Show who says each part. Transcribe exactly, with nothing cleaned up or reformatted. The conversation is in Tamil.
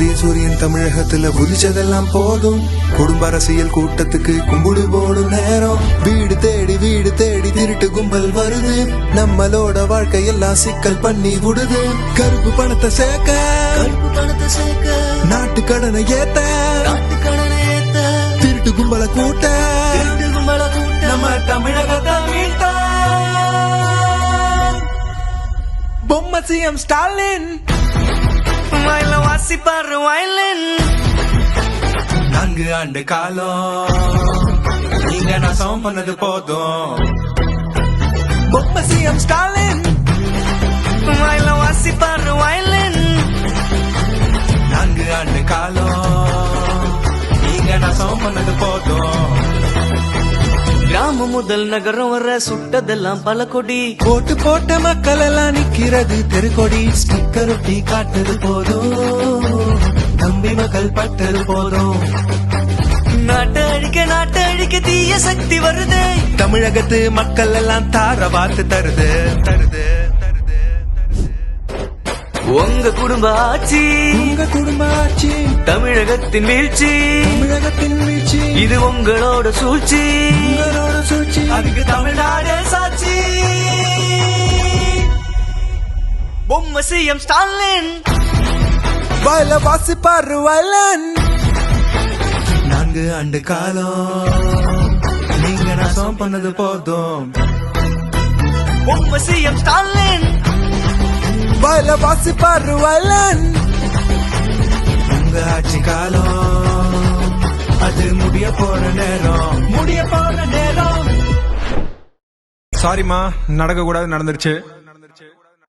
Speaker 1: உதய சூரியன் தமிழகத்துல உதிச்சதெல்லாம் போதும். குடும்ப அரசியல் கூட்டத்துக்கு கும்பிடு போடும் நேரம். வீடு தேடி வீடு தேடி திருட்டு கும்பல் வருது. நம்மளோட வாழ்க்கையெல்லாம் சிக்கல் பண்ணி விடுது. கருப்பு பணத்தை சேர்க்க
Speaker 2: கருப்பு பணத்தை சேர்க்க
Speaker 1: நாட்டு கடனை ஏத்த
Speaker 2: நாட்டு கடனை ஏத்த
Speaker 1: திருட்டு கும்பலை கூட்ட
Speaker 2: திருட்டு கும்பலை கூட்ட
Speaker 1: நம்ம தமிழகத்தை மீட்ட பொம்மை சிஎம் ஸ்டாலின்
Speaker 2: வயல வாசிப்பாரு வயலின்.
Speaker 1: நான்கு ஆண்டு காலம் நீங்க நாசம் பண்ணது போதும். பொம்மை சிஎம் ஸ்டாலின்
Speaker 2: வயல வாசிப்பாரு வயலின்.
Speaker 1: நான்கு ஆண்டு காலம் நீங்க நாசம் பண்ணது போதும்.
Speaker 2: கிராமம் முதல் நகரம் வர சுட்டதெல்லாம் பல கொடி.
Speaker 1: போட்டு போட்ட மக்கள் எல்லாம் நிக்கிறது தெருக்கொடி. ஸ்டிக்கர் ஒட்டி காட்டுறது போதும். நம்பி மக்கள் பட்டது போதும்.
Speaker 2: நாட்டை அழிக்க நாட்டை அழிக்க தீய சக்தி வருதே.
Speaker 1: தமிழகத்து மக்கள் எல்லாம் தார வார்த்து தருது தருது தருது
Speaker 2: உங்க குடும்ப ஆட்சி
Speaker 1: உங்க குடும்ப ஆட்சி
Speaker 2: தமிழகத்தின் வீழ்ச்சி
Speaker 1: தமிழகத்தின் வீழ்ச்சி
Speaker 2: இது உங்களோட சூழ்ச்சி
Speaker 1: உங்களோட சூழ்ச்சி
Speaker 2: அதுக்கு தமிழ்நாடு சாட்சி. பொம்மை சிஎம் ஸ்டாலின்
Speaker 1: வயல வாசிப்பாரு வயலன். நான்கு ஆண்டு காலம் நீங்க நாசம் பண்ணது போதும்.
Speaker 2: பொம்மை சிஎம் ஸ்டாலின்
Speaker 1: வயல வாசிப்பாரு வயலன். உங்க ஆட்சி காலம் அது முடிய போற நேரம் முடிய போற நேரம்.
Speaker 3: சாரிம்மா, நடக்க கூடாது நடந்துருச்சு.